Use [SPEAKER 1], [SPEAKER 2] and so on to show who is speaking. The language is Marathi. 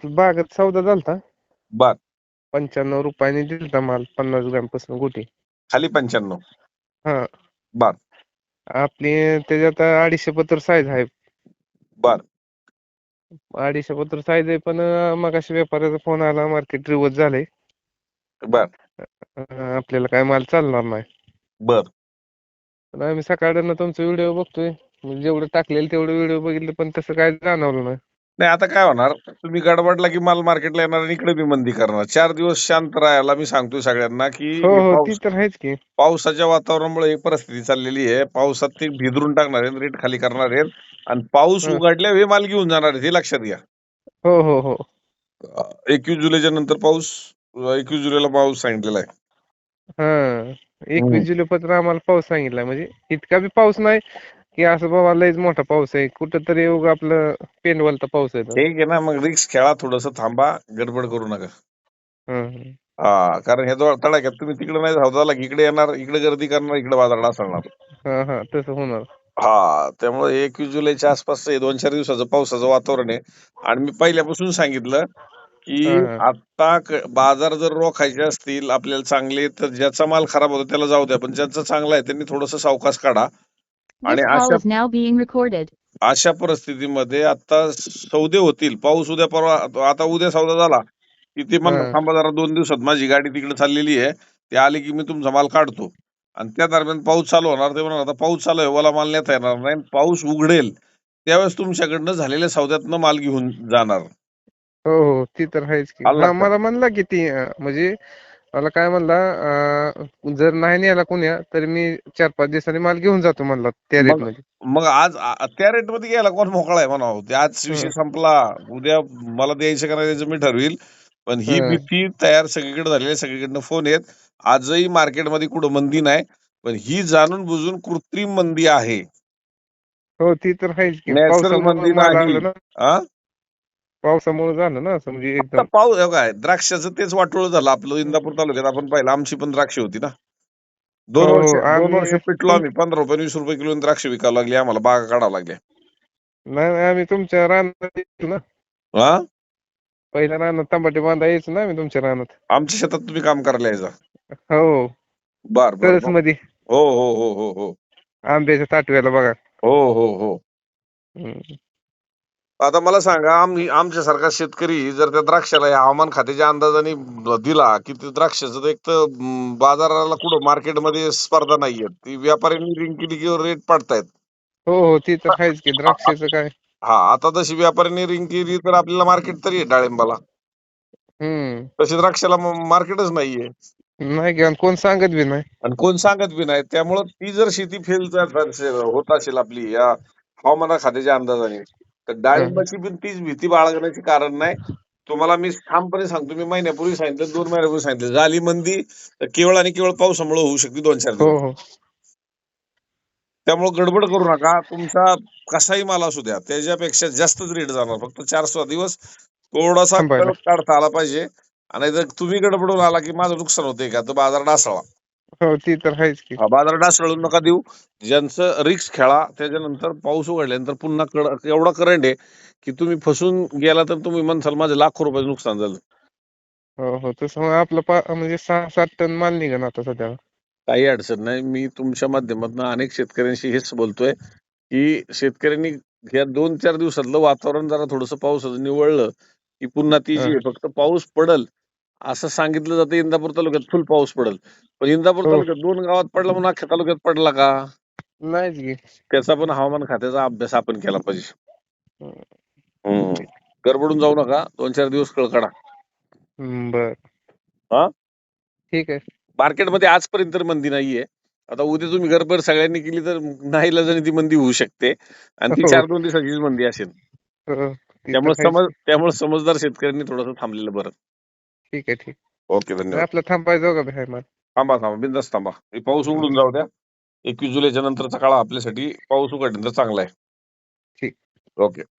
[SPEAKER 1] बागात सौदा झालता.
[SPEAKER 2] बर
[SPEAKER 1] 95 रुपयाने दिलता माल 50 ग्रॅम पासून गुटी.
[SPEAKER 2] खाली 95.
[SPEAKER 1] हा
[SPEAKER 2] बर
[SPEAKER 1] आपली त्याच्यात 250 पत्र साईज आहे.
[SPEAKER 2] बर
[SPEAKER 1] 250 पत्र साईज आहे, पण मग अशा व्यापाऱ्याचा फोन आला, मार्केट रिवर्स झालंय.
[SPEAKER 2] बर
[SPEAKER 1] आपल्याला काय माल चालणार नाही.
[SPEAKER 2] बर
[SPEAKER 1] पण आम्ही सकाळनं तुमचा व्हिडिओ बघतोय, म्हणजे जेवढं टाकलेलं तेवढं व्हिडिओ बघितलं, पण तसं काय जाणवलं नाही.
[SPEAKER 2] नाही आता काय होणार, तुम्ही गडबडला की माल मार्केटला येणार आणि इकडे बी मंदी करणार. 4 दिवस शांत राहायला मी सांगतोय सगळ्यांना की
[SPEAKER 1] हो
[SPEAKER 2] हे
[SPEAKER 1] हो, ती तर आहेच की.
[SPEAKER 2] पावसाच्या वातावरणामुळे ही परिस्थिती चाललेली आहे. पावसात ते भिदरून टाकणार आहेत, रेट खाली करणार आहेत आणि पाऊस
[SPEAKER 1] हं.
[SPEAKER 2] उघडल्यावर हे माल घेऊन जाणार आहेत, हे लक्षात घ्या.
[SPEAKER 1] हो हो हो.
[SPEAKER 2] 21 जुलैच्या नंतर पाऊस, 21 जुलैला पाऊस सांगितलेला आहे.
[SPEAKER 1] हा 21 जुलै पत्र आम्हाला पाऊस सांगितला, म्हणजे इतका बी पाऊस नाही की असं बाबा लयच मोठा पाऊस आहे. कुठंतरी उगा आपलं पेनवलता पाऊस आहे.
[SPEAKER 2] ठीक आहे ना, मग रिक्स खेळा, थोडस थांबा, गडबड करू नका.
[SPEAKER 1] हं.
[SPEAKER 2] हा, कारण हे जो तडाख्यात तुम्ही तिकडे नाही धावताला, इकडे येणार, इकडे गर्दी करणार, इकडे बाजारात असणार.
[SPEAKER 1] हा तसं होणार.
[SPEAKER 2] हा, त्यामुळे 21 जुलैच्या आसपास 2-4 दिवसाचं पावसाचं वातावरण आहे. आणि मी पहिल्यापासून सांगितलं की
[SPEAKER 1] हा
[SPEAKER 2] आता बाजार जर रोखायचे असतील आपल्याला चांगले, तर ज्याचा माल खराब होतो त्याला जाऊ द्या, पण ज्यांचा चांगला आहे त्यांनी थोडस सावकाश काढा. आणि
[SPEAKER 3] This call is now being recorded.
[SPEAKER 2] अशा परिस्थितीमध्ये आता सौदे होतील. पाऊस उद्या परवा, आता उद्या सौदा झाला की ते म्हणणार
[SPEAKER 1] हा
[SPEAKER 2] थांबा जरा 2 दिवसात माझी गाडी तिकडे चाललेली आहे, ते आली की मी तुमचा माल काढतो. आणि त्या दरम्यान पाऊस चालू होणार, ते म्हणणार आता पाऊस चालू आहे, ओला माल नेता येणार नाही. पाऊस उघडेल त्यावेळेस तुमच्याकडनं झालेल्या सौद्यातनं माल घेऊन जाणार.
[SPEAKER 1] हो हो, ती तर आहेच की.
[SPEAKER 2] आलं
[SPEAKER 1] हा
[SPEAKER 2] लक्षात?
[SPEAKER 1] मला म्हणला की ती म्हणजे मला काय म्हणला, जर नाही नेला कोण्या तर मी 4-5 दिवसांनी माल घेऊन जातो म्हणला त्या रेट
[SPEAKER 2] मग
[SPEAKER 1] मध्ये.
[SPEAKER 2] मग आज त्या रेट मध्ये घ्यायला कोण मोकळा आहे म्हणावं. ते आज विषय संपला, उद्या मला द्यायचं का नाही द्यायचं मी ठरवील. पण ही भीती तयार सगळीकडे झालेली आहे, सगळीकडनं फोन येत. आजही मार्केटमध्ये कुठं मंदी नाही, पण ही जाणून बुजून कृत्रिम मंदी आहे,
[SPEAKER 1] हो ती तर आहेच की.
[SPEAKER 2] नॅचरल
[SPEAKER 1] पावसामुळे
[SPEAKER 2] मंदी
[SPEAKER 1] माल
[SPEAKER 2] नाही.
[SPEAKER 1] आलं ना,
[SPEAKER 2] हा,
[SPEAKER 1] पावसामुळे झालं ना असं, म्हणजे
[SPEAKER 2] आता
[SPEAKER 1] एकदम.
[SPEAKER 2] पाऊस काय द्राक्षाचं तेच वाटोळ झालं आपलं. इंदापूर तालुक्यात आपण पाहिलं, आमची पण द्राक्ष होती ना.
[SPEAKER 1] हो
[SPEAKER 2] दोन वर्ष
[SPEAKER 1] हो,
[SPEAKER 2] दोन वर्ष
[SPEAKER 1] आम्ही
[SPEAKER 2] पिटलो आम्ही. 15 रुपये 20 रुपये किलो द्राक्ष विकायला लागली, आम्हाला बागा काढावं लागल्या.
[SPEAKER 1] नाही आम्ही तुमच्या रानात यायचो ना,
[SPEAKER 2] हा,
[SPEAKER 1] पहिल्या रानात तंबाटे बांधा यायचो ना आम्ही तुमच्या रानात.
[SPEAKER 2] आमच्या शेतात तुम्ही काम करायला यायचा.
[SPEAKER 1] हो,
[SPEAKER 2] बर बर
[SPEAKER 1] तरच
[SPEAKER 2] बर.
[SPEAKER 1] मध्ये
[SPEAKER 2] हो हो हो हो हो
[SPEAKER 1] आंब्याच्या ताटव्याला बघा.
[SPEAKER 2] हो हो हो.
[SPEAKER 1] हम्म.
[SPEAKER 2] आता मला सांगा, आमच्यासारखा शेतकरी जर त्या द्राक्षाला या हवामान खात्याच्या अंदाजाने दिला की ते द्राक्षाचं, एक तर बाजाराला कुठं मार्केटमध्ये स्पर्धा नाहीये, ती व्यापाऱ्यांनी रिंग केली की रेट पडतायत.
[SPEAKER 1] हो हो, ती तर आहेच की. द्राक्षाचं काय.
[SPEAKER 2] हा, आता तशी व्यापाऱ्यांनी रिंग केली तर आपल्याला मार्केट तरी आहे डाळिंबाला,
[SPEAKER 1] हम्म.
[SPEAKER 2] तशी द्राक्षाला मार्केटच नाहीये.
[SPEAKER 1] नाही की, आणि कोण सांगत बी नाही.
[SPEAKER 2] आणि कोण सांगत बी नाही. त्यामुळं ती जर शेती फेल होत असेल आपली या हवामान खात्याच्या अंदाजाने, तर
[SPEAKER 1] हं.
[SPEAKER 2] डाळिंबाची पण तीच भीती बाळगण्याचे कारण नाही. तुम्हाला मी ठामपणे सांगतो, मी महिन्यापूर्वी सांगितलं, 2 महिन्यापूर्वी सांगितलं, झाली मंदी तर केवळ आणि केवळ पावसामुळे होऊ शकते 2-4
[SPEAKER 1] हो
[SPEAKER 2] दिवस.
[SPEAKER 1] हो,
[SPEAKER 2] त्यामुळे गडबड करू नका. तुमचा कसाही माल असू द्या, त्याच्यापेक्षा जास्तच रेट जाणार. फक्त 4-6 दिवस थोडासा
[SPEAKER 1] थांबायला.
[SPEAKER 2] कळ काढता आला पाहिजे. आणि जर तुम्ही गडबडून आला की माझं नुकसान होतंय का, तर बाजार डासळा.
[SPEAKER 1] हो ती तर आहेच की.
[SPEAKER 2] बाजार डासळू नका देऊ. ज्यांचं रिक्स खेळा. त्याच्यानंतर पाऊस उघडल्यानंतर पुन्हा एवढा करंट आहे की तुम्ही फसून गेला तर तुम्ही म्हणसाल माझं लाखो रुपयाचं नुकसान झालं.
[SPEAKER 1] हो हो, तसं मग आपलं म्हणजे 6-7 टन माल निघन आता सध्या.
[SPEAKER 2] काही अडचण नाही. मी तुमच्या माध्यमातून अनेक शेतकऱ्यांशी हेच बोलतोय की शेतकऱ्यांनी या 2-4 दिवसातलं वातावरण जरा थोडंसं पावसाचं निवळलं की पुन्हा ती जी
[SPEAKER 1] हं.
[SPEAKER 2] आहे, फक्त पाऊस पडल असं सांगितलं जातं. इंदापूर तालुक्यात फुल पाऊस पडल, पण इंदापूर
[SPEAKER 1] हो,
[SPEAKER 2] तालुक्यात 2 गावात पडला म्हणून अख्ख्या तालुक्यात पडला का?
[SPEAKER 1] नाहीच की.
[SPEAKER 2] त्याचा पण हवामान खात्याचा अभ्यास आपण केला पाहिजे.
[SPEAKER 1] हं.
[SPEAKER 2] गडबडून जाऊ नका. 2-4 दिवस कळ काढा.
[SPEAKER 1] बर,
[SPEAKER 2] हा,
[SPEAKER 1] ठीक आहे.
[SPEAKER 2] मार्केटमध्ये आजपर्यंत तर मंदी नाहीये. आता उद्या तुम्ही गडबड सगळ्यांनी केली तर नाईलाजाने ती मंदी होऊ शकते आणि ती
[SPEAKER 1] हो
[SPEAKER 2] 4-2 दिवसाचीच मंदी असेल.
[SPEAKER 1] हो, ती तर आहेच की.
[SPEAKER 2] त्यामुळे समजदार शेतकऱ्यांनी थोडंसं थांबलेलं बरं.
[SPEAKER 1] ठीक आहे, ठीक.
[SPEAKER 2] ओके, धन्यवाद.
[SPEAKER 1] आपलं थांबायचं का बाहेर माल.
[SPEAKER 2] थांबा थांबा, बिंदास थांबा. हे पाऊस उघडून जाऊ द्या. 21 जुलैच्या नंतरचा काळ आपल्यासाठी पाऊस उघडल्यानंतर चांगला आहे.
[SPEAKER 1] ठीक.
[SPEAKER 2] ओके.